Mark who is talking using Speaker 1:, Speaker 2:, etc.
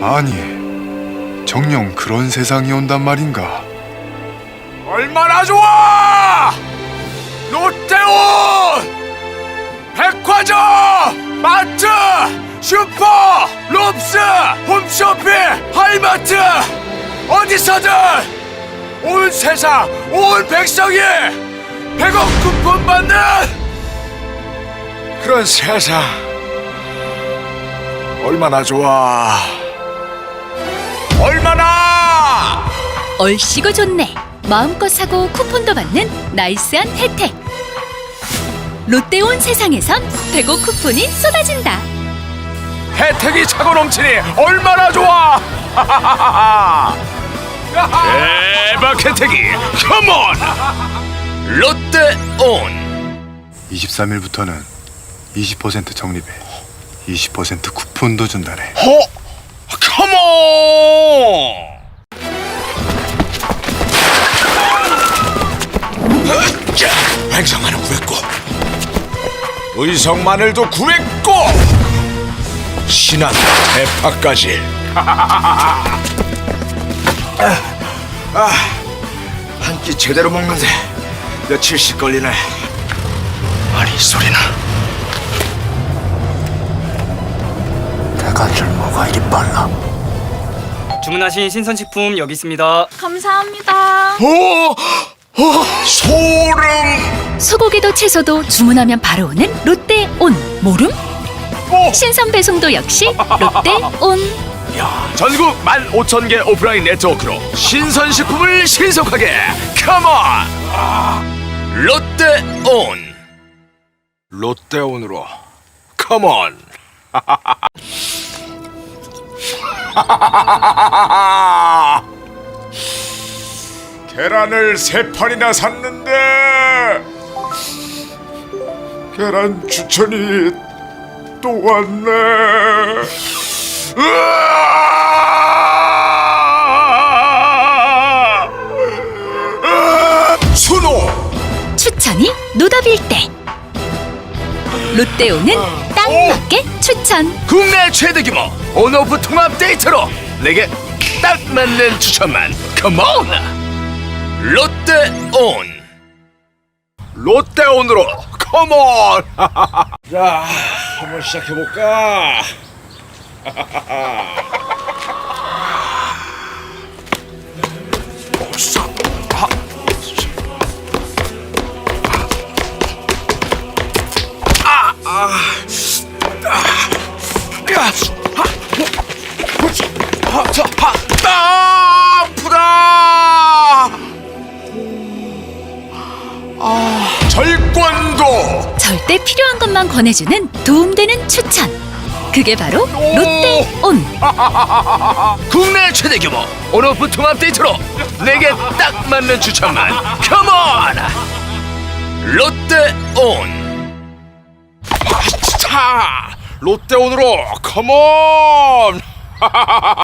Speaker 1: 아니, 정녕 그런 세상이 온단 말인가?
Speaker 2: 얼마나 좋아! 롯데온! 백화점! 마트! 슈퍼! 롭스! 홈쇼핑! 하이마트! 어디서든! 온 세상, 온 백성이 100억 쿠폰 받는 그런 세상 얼마나 좋아. 얼마나
Speaker 3: 얼씨구 좋네. 마음껏 사고 쿠폰도 받는 나이스한 혜택. 롯데온 세상에선 100억 쿠폰이 쏟아진다.
Speaker 2: 혜택이 차고 넘치니 얼마나 좋아. 대박 혜택이 컴온. 롯데온.
Speaker 1: 23일부터는 20% 적립에 20% 쿠폰도 준다네.
Speaker 2: 컴온. 횡성마늘 구했고 의성마늘도 구했고 신한 대파까지. 한 끼 제대로 먹는데 며칠씩 걸리네. 아니 소리나.
Speaker 1: 내가 줄 뭐가 이리 빨라?
Speaker 4: 주문하신 신선식품 여기 있습니다.
Speaker 3: 감사합니다.
Speaker 2: 소름.
Speaker 3: 소고기도 채소도 주문하면 바로 오는 롯데온. 모름? 신선 배송도 역시 롯데온.
Speaker 2: 전국 15,000개 오프라인 네트워크로 신선식품을 신속하게 컴온. 롯데온. 롯데온으로 컴온. 계란을 3판이나 샀는데 계란 추천이 또 왔네. 순호.
Speaker 3: 추천이 노답일 때 롯데온은 딱 맞게 추천.
Speaker 2: 국내 최대 규모 온오프 통합 데이트로 내게 딱 맞는 추천만 컴온. 롯데온. 롯데온으로 컴온. 자, 한번 시작해볼까. 아프다. 절권도.
Speaker 3: 절대 필요한 것만 권해주는 도움되는 추천. 그게 바로 롯데온.
Speaker 2: 국내 최대 규모 온오프 통합 데이트로 내게 딱 맞는 추천만 컴온. 롯데온. 롯데온으로 컴온.